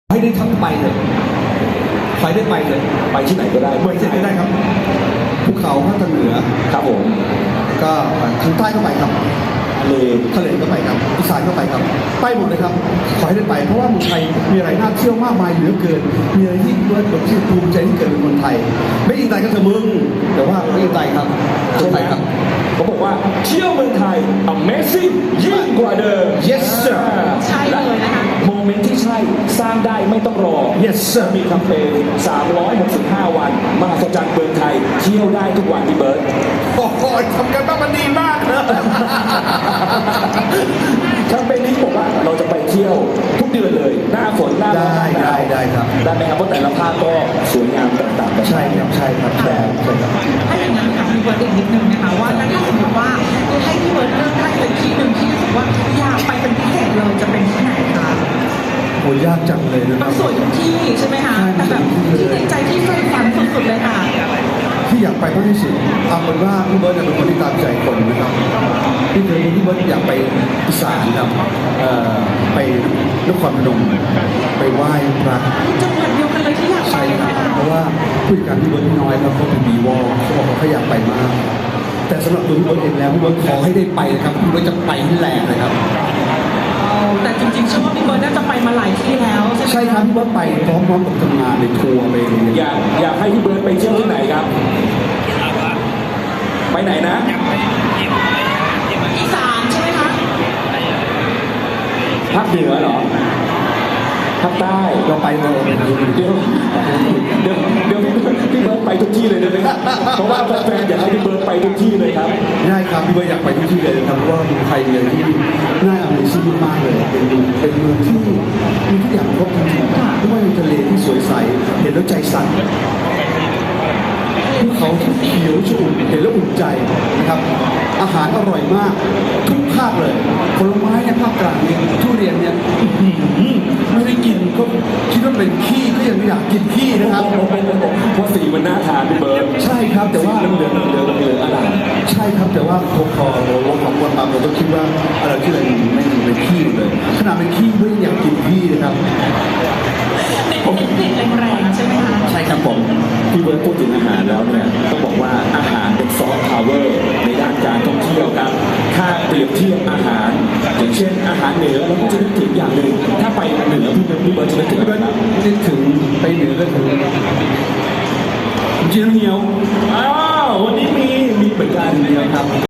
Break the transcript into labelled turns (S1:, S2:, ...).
S1: ให้ได้ทั้งไปเลยไปได้ไปเลยไปที่ไหนก็ได้เมืองที่ไหนก็ได้ครับภูเขาภาคเหนือครับผมก็ทางใต้ก็ไปครับทะเลก็ไปครับอีสานก็ไปครับไปหมดเลยครับขอให้ได้ไปเพราะว่าเมืองไทยมีอะไรน่าเที่ยวมากมายเหลือเกินมีอะไรที่เบิร์ดแบบที่ภูมิใจที่เกิดเป็นคนไทยไม่อินไตก็เถอะมึงแต่ว่าไม่อินไตครับคนไทยครับ
S2: เขาบอกว่าเที่ยวเมืองไทย Amazing ยิ่งกว่าเดิม
S1: Yes sir
S3: ใช่เลยนะคะ
S2: โมเมนต์ที่ใช่สร้างได้ไม่ต้องรอ
S1: Yes sir
S2: มีแคมเปญ365 วันมหัศจรรย์เมืองไทยเที่ยวได้ทุกวันที่เบิร์ด
S1: โอ้โหทำกันบ้างมันดีมากนะ
S2: แคมเปญนี้บอกว่าเราจะไปเที่ยวทุกเดือนเลยหน้าฝนหน้าร้อน
S1: ได้ครับ
S2: ได้ไหมครับเพราะแต่ละภาคก็สวยงามต่างๆกัน
S1: ใช่ครับใช่ครับใช่ครับ
S3: ถ้าอย่างนั้นค่ะพี่เบิร์ดอีกนิดนึงนะคะว่าถ้าสมมติว่าให้พี่เบิร์ดเลือกได้เลยที่หนึ่งที่รู้สึกว่าอยากไปเป็นพิเศษเลยจะเป็นที่ไหนคะ
S1: โหยากจังเลยนะค
S3: มั
S1: รั
S3: น
S1: บ
S3: สวยทุกที่ใช่ไหมคะแต่แบบที่ในใจที่ใฝ่ฝันสุดๆเลยค่ะ
S1: ที่อยากไปมากที่สุดเอาเป็นว่าพี่เบิร์ดเป็นคนที่ตามใจคนนะครับพี่เบิร์ดอยากไปอีสานครับไปนครพนมไปไหว้พระ
S3: จังหวัดเดียวกันเลยที่อยากไป
S1: ใช่ครับเพราะว่าผู้จัดการพี่เบิร์ดน้อยครับเขาเป็นบีวอลเขาบอกเขาอยากไปมากแต่สำหรับตัวพี่เบิร์ดเองแล้วพี่เบิร์ดขอให้ได้ไปนะครับพี่เบิร์ดจะไปให้แรงเลยครับ
S3: แต่จริงๆเชื่อว่าพี่เบิร์ดน่าจะไปมาหลายที่แล้ว
S1: ใช่ครับพี่เบิร์ดไปพร้อมๆกับทำงานในทัวร์ไป
S2: อยากให้พี่เบิร์ดไปเที่ยวที่ไหนครับไปไหนนะ
S3: อีสานใช่ไหมคะ
S2: ภาคเหนือเหรอภาคใต้
S1: เราไปเลย
S2: เดี๋ยวพี่เบิร์ดไปทุกที่เลยได้ไหมครับเพราะว่าแฟนๆอยากให้พี่เบิร์ดไปทุกที่เลยครับ
S1: ได้ครับพี่เบิร์ดอยากไปทุกที่เลยครับเพราะว่าเมืองไทยเนี่ยที่น่าอเมซิ่งมากเลยเป็นเมืองที่มีทุกอย่างครบจริงๆไม่ว่ามีทะเลที่สวยใสเห็นแล้วใจสั่นภูเขาที่เขียวชุ่มเห็นแล้วอุ่นใจนะครับอาหารอร่อยมากทุกภาคเลยผลไม้ในภาคกลางเนี่ยทุเรียนเนี่ยไม่ได้กินก็คิดว่าเป็นขี้ก็ยังไม่อยากกินขี้นะครับ
S2: เพราะสีมันน่าทานพี่เบิร์ด
S1: ใช่ครับแต่ว่า
S2: เหลืองอะไร
S1: ใช่ครับแต่ว่าพอเราของคนบางเราต้องคิดว่าอะไรที่เราไม่เป็นขี้เลยขนาดเป็นขี้ไม่อยากกินขี้นะครับ
S3: ติดแรงๆใช่ไหมคะ
S1: ใช่ครับผม
S2: พี่เบิร์ดพูดถึงอาหารแล้วเนี่ยต้องบอกว่าอาหารเป็นซอฟต์พาวเวอร์ในด้านการท่องเที่ยวครับถ้าเปรียบเทียบอาหารอย่างเช่นอาหารเหนือเราก็จะนึกถึงอย่างหนึ่งถ้าไปเหนือพี่เบิร์ดจะนึกถึงอะไร
S1: นึกถึงไปเหนือก็ถึง
S2: จีนเหียวอ้าววันนี้มีเหมือนกัน
S1: ครับ